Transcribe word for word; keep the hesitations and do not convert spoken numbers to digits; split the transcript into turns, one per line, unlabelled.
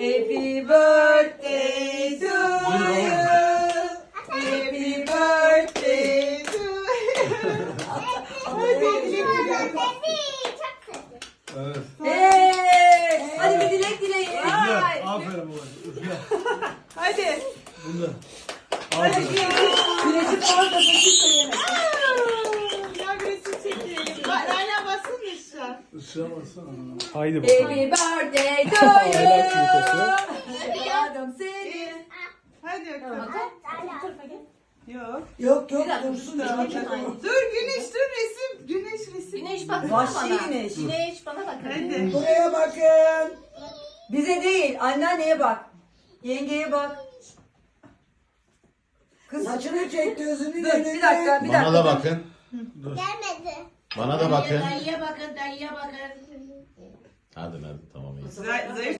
Happy birthday to you. Happy birthday to you.
Evet.
Hey, hadi bir dilek dileyin.
Üfle.
Ay.
Aferin babacığım. Üfle.
Hadi.
Bunda.
Hadi
Aferin.
güneşin orada sıçışta yemek.
Ya bir resim çekelim. Hala basın mı şu an?
Isıramazsana.
Haydi bakalım.
Happy birthday to
Aylar
you.
kürtesi.
Yardım seni.
Hadi bakalım. Yok.
Yok yok.
Bir dakika,
Dursun
dur,
da.
dur, dur.
Dur Güneş dur resim. Güneş resim.
Güneş bak
Vahşi
bana.
güneş.
Güneş bana bak.
Hadi.
Buraya bakın. Bize değil, anneanneye bak. Yengeye bak. Kız saçını çek, gözünü Dur, bir dakika, bir dakika.
Bana da bakın.
Gelmedi.
Bana da bakın.
Dayıya bakın, dayıya bakın.
Hadi hadi tamam iyi.
Zayıf